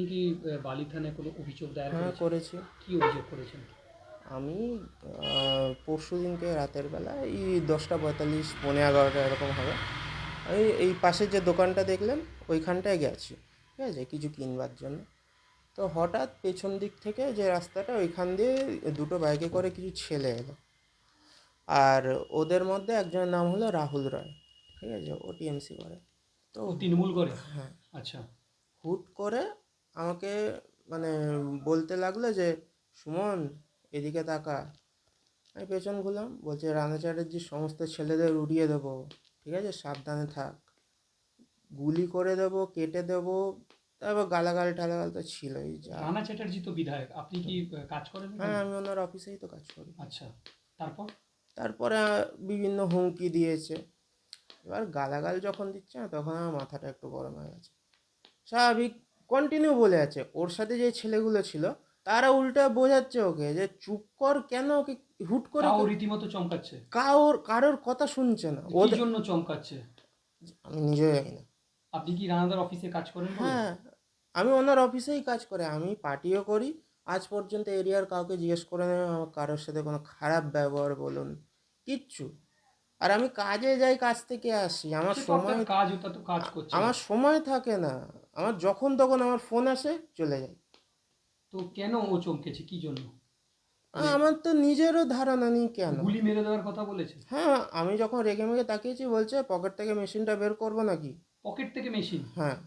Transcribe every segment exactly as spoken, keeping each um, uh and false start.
কি বালি থানায় কোনো অভিযোগ দায়ের হ্যাঁ করেছেন? করেছি। কি অভিযোগ করেছেন? আমি পরশু দিনকে রাতের বেলা এই দশটা পঁয়তাল্লিশ পৌনে এগারোটা এরকম হবে, এই এই পাশের যে দোকানটা দেখলেন ওইখানটায় গেছি, ঠিক আছে, কিছু কিনবার জন্য। তো হঠাৎ পেছন দিক থেকে যে রাস্তাটা ওইখান দিয়ে দুটো বাইকে করে কিছু ছেলে এলো, আর ওদের মধ্যে একজনের নাম হলো রাহুল রায়, ঠিক আছে, ও টিএমসি করে। তো ও তৃণমূল করে? হ্যাঁ, আচ্ছা। হুট করে আমাকে মানে বলতে লাগলো যে সুমন এদিকে তাকা। আমি পেছন ঘুরলাম, বলছে রানা চ্যাটার্জির সমস্ত ছেলেদের উড়িয়ে দেবো, ঠিক আছে, সাবধানে থাক, গুলি করে দেবো, কেটে দেবো। তারপর গালাগাল টালাগাল তো ছিলই যা। রানা চ্যাটার্জি তো বিধায়ক, আপনি কি আহ, কাজ করেন হ্যাঁ, এখানে? আমি ওনার অফিসেই তো কাজ করি। আচ্ছা, তারপর? তারপরে আহ, বিভিন্ন হুমকি দিয়েছে। এবার গালাগাল যখন দিচ্ছে না তখন আমার মাথাটা একটু গরম হয়ে গেছে। স্বাভাবিক, কন্টিনিউ বলে আছে, ওর সাথে যে ছেলেগুলো ছিল তারা উল্টা বোঝাচ্ছে ওকে যে চুপ কর, কেন ওকে হুট করে তাও কে- রীতিমতো চমকাচ্ছে? কারোর কারোর কথা শুনছে না কি ওদের। জন্য চমকাচ্ছে? আমি নিজেও জানি না। আপনি কি রানাদার অফিসে কাজ করেন বলে? হ্যাঁ, আমি ওনার অফিসেই কাজ করে, আমি পার্টিও করি। আজ পর্যন্ত এরিয়ার কাউকে জিজ্ঞেস করে নেবে আমার কারোর সাথে কোনো খারাপ ব্যবহার বলুন কিচ্ছু। আর আমি কাজে যাই, কাজ থেকে আসি, আমার সে তো আপনার সময় কাজ, ওটা তো কাজ আ- করছেন। আমার সময় থাকে না। আমার যখন তখন আমার ফোন আসে, চলে যাই। তো কেন ও চমকেছে, কি জন্য? আ- মানে আমার তো নিজেরও ধারণা নেই কেন। গুলি মেরে দেওয়ার কথা বলেছে? হ্যাঁ, আমি যখন রেগে মেগে তাকিয়েছি বলছে পকেট থেকে মেশিনটা বের করবো নাকি। পকেট থেকে মেশিন? হ্যাঁ,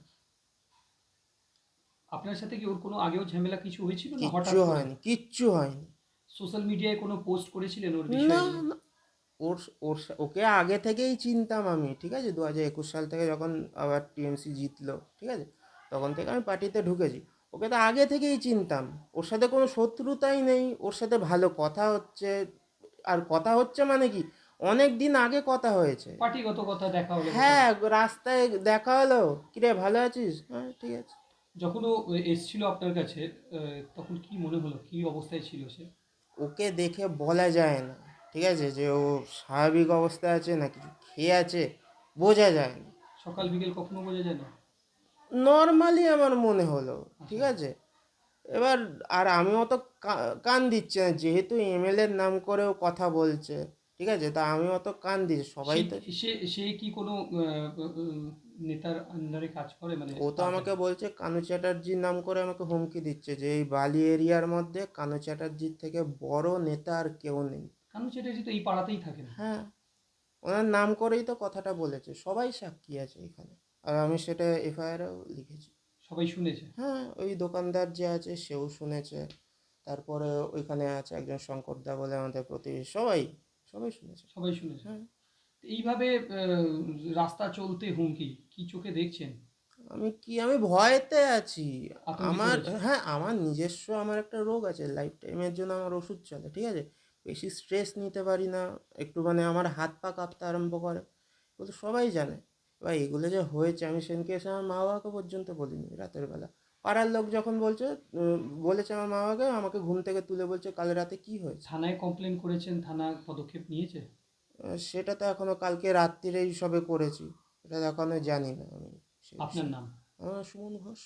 আপনার সাথে কি ওর কোনো আগেও ঝামেলা কিছু হয়েছিল, না কিচ্ছু হঠাৎ করে? হয়নি, কিচ্ছু হয়নি। সোশ্যাল মিডিয়ায় কোনো পোস্ট করেছিলেন ওর না, বিষয়ে নিয়ে? না, ওর ওর সা- ওকে আগে থেকেই চিনতাম আমি, ঠিক আছে, দু হাজার একুশ সাল থেকে যখন আবার টিএমসি জিতলো, ঠিক আছে, তখন থেকে আমি পার্টিতে ঢুকেছি। ওকে তো আগে থেকেই চিনতাম, ওর সাথে কোনো শত্রুতাই নেই, ওর সাথে ভালো কথা হচ্ছে। আর কথা হচ্ছে মানে কি, অনেক দিন আগে কথা হয়েছে। পার্টিগত কথা দেখা হলো কোথাও? হ্যাঁ, রাস্তায় দেখা হলো, কিরে ভালো আছিস, হ্যাঁ ঠিক আছে। যখন ও এসছিল আপনার কাছে, আহ, তখন কি মনে হলো, কি অবস্থায় ছিল সে? ওকে দেখে বলা যায় না, ঠিক আছে, যে ও স্বাভাবিক অবস্থায় আছে না কিছু খেয়ে আছে, বোঝা যায় না। সকাল বিকেল কখনো বোঝা যায় না? নর্মালি আমার মনে হলো, ঠিক আচ্ছা। আছে। এবার আর আমি অত কা- কান দিচ্ছি না, যেহেতু এমএলএ এর নাম করেও কথা বলছে, ঠিক আছে, তা আমি অত কান দিচ্ছি, সবাই সে তো। সে সে কি কোনো আহ, উম, নেতার আন্ডারে কাজ করে, মানে ও তো তার আমাকে কাছে? বলছে কানু চ্যাটার্জির নাম করে আমাকে হুমকি দিচ্ছে যে এই বালি এরিয়ার মধ্যে কানু চ্যাটার্জির থেকে বড় নেতা আর কেউ নেই। কানু চ্যাটার্জি তো এই পাড়াতেই থাকেন। হ্যাঁ, ওনার নাম করেই তো কথাটা বলেছে, সবাই সাক্ষী আছে এখানে, আর আমি সেটা এফআইআরও লিখেছি। সবাই শুনেছে? হ্যাঁ, ওই দোকানদার যে আছে সেও শুনেছে, তারপরে ওইখানে আছে একজন শঙ্করদা বলে আমাদের প্রতিবেশী, সবাই সবাই শুনেছে। সবাই শুনেছে। হ্যাঁ, তো এইভাবে আহ, রাস্তা চলতে হুমকি, কি চোখে দেখছেন? আমি কি, আমি ভয়েতে আছি। আতঙ্কিত আমার, হয়েছে? হ্যাঁ, আমার নিজস্ব আমার একটা রোগ আছে, লাইফ টাইমের জন্য আমার ওষুধ চলে, ঠিক আছে, বেশি স্ট্রেস নিতে পারি না, একটু মানে আমার হাত পা কাঁপতে আরম্ভ করে, এগুলো তো সবাই জানে। এবার এগুলো যে হয়েছে আমি সেদিনকে এসে আমার মা বাবাকে পর্যন্ত বলিনি রাতের বেলা। পাড়ার লোক যখন বলছে, উম, বলেছে আমার মা বাবাকে, আমাকে ঘুম থেকে তুলে বলছে কাল রাতে কি হয়েছে। থানায় কমপ্লেন করেছেন? থানা পদক্ষেপ নিয়েছে? আহ, সেটা তো এখনো কালকে রাত্রিরেই সবে করেছি, এটা এখনো জানি না আমি সে আপনার বিষয়ে। নাম? আমার সুমন ঘোষ।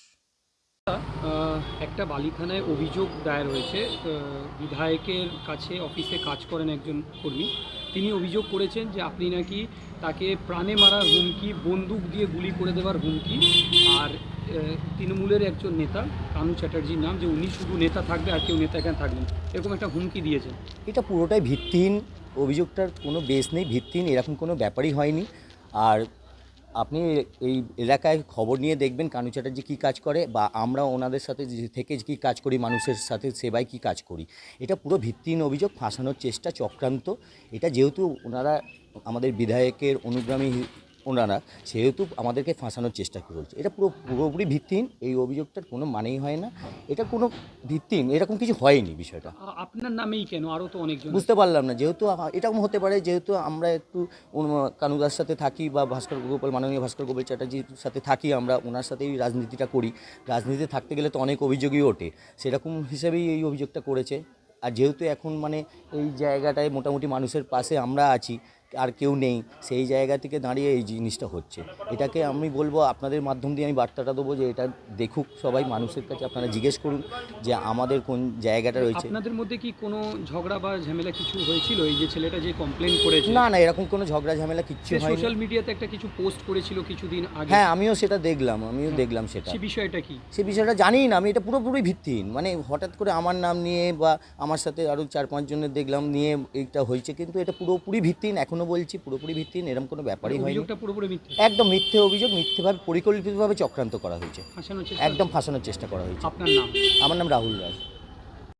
আহ, একটা বালি থানায় অভিযোগ দায়ের হয়েছে। আহ, বিধায়কের কাছে অফিসে কাজ করেন একজন কর্মী। তিনি অভিযোগ করেছেন যে আপনি নাকি তাকে প্রাণে মারার হুমকি, বন্দুক দিয়ে গুলি করে দেওয়ার হুমকি, আর আহ, তৃণমূলের একজন নেতা কানু চ্যাটার্জির নাম, যে উনি শুধু নেতা থাকবে আর কেউ নেতা এখানে থাকবেন, এরকম একটা হুমকি দিয়েছেন। এটা পুরোটাই ভিত্তিহীন। অভিযোগটার কোনো বেস নেই, ভিত্তিহীন, এরকম কোনো ব্যাপারই হয়নি। আর আপনি এই এলাকায় খবর নিয়ে দেখবেন কানু চ্যাটার্জি কী কাজ করে, বা আমরা ওনাদের সাথে যে- থেকে কী কাজ করি, মানুষের সাথে সেবায় কী কাজ করি। এটা পুরো ভিত্তিহীন অভিযোগ, ফাঁসানোর চেষ্টা, চক্রান্ত। এটা যেহেতু ওনারা আমাদের বিধায়কের অনুগামী, ওনারা সেহেতু আমাদেরকে ফাঁসানোর চেষ্টা করছে। এটা পুরো পুরোপুরি ভিত্তিহীন, এই অভিযোগটার কোনো মানেই হয় না। এটা কোনো ভিত্তিহীন, এরকম কিছু হয়নি বিষয়টা। আ- আপনার নামেই কেন? আরও তো অনেকজন আছে। বুঝতে পারলাম না, যেহেতু আ- এরকম হতে পারে, যেহেতু আমরা একটু উন- কানুদার সাথে থাকি, বা ভাস্কর গোপাল, মাননীয় ভাস্কর গোপাল চ্যাটার্জির সাথে থাকি, আমরা ওনার সাথেই রাজনীতিটা করি। রাজনীতিতে থাকতে গেলে তো অনেক অভিযোগই ওঠে, সেরকম হিসেবেই এই অভিযোগটা করেছে। আর যেহেতু এখন মানে এই জায়গাটায় মোটামুটি মানুষের পাশে আমরা আছি, আর কেউ নেই, সেই জায়গা থেকে দাঁড়িয়ে এই জিনিসটা হচ্ছে। এটাকে আমি বলবো, আপনাদের মাধ্যম দিয়ে আমি বার্তাটা দেবো যে এটা দেখুক সবাই, মানুষের কাছে আপনারা জিজ্ঞেস করুন যে আমাদের কোন জায়গাটা রয়েছে। আপনাদের মধ্যে কি কোনো ঝগড়া বা ঝামেলা কিছু হয়েছিল? এই যে ছেলেটা যে কমপ্লেন করেছে, না না, এরকম কোনো ঝগড়া ঝামেলা কিচ্ছু সে হয়নি। সোশ্যাল মিডিয়াতে একটা কিছু পোস্ট করেছিল কিছুদিন আগে, হ্যাঁ, আমিও সেটা দেখলাম, আমিও দেখলাম সেটা। সে বিষয়টা কি? সে বিষয়টা জানি না আমি, এটা পুরোপুরি ভিত্তিহীন। মানে হঠাৎ করে আমার নাম নিয়ে বা আমার সাথে আরও চার পাঁচজনের দেখলাম নিয়ে এইটা হয়েছে, কিন্তু এটা পুরোপুরি ভিত্তিহীন। এখনও বলছি পুরোপুরি ভিত্তিহীন, এরকম কোনো ব্যাপারই হয়নি। অভিযোগটা পুরোপুরি মিথ্যে, একদম মিথ্যে অভিযোগ, মিথ্যেভাবে পরিকল্পিতভাবে চক্রান্ত করা হয়েছে, ফাঁসানোর চেষ্টা। একদম ফাঁসানোর চেষ্টা করা হয়েছে। আপনার নাম? আমার নাম রাহুল রায়।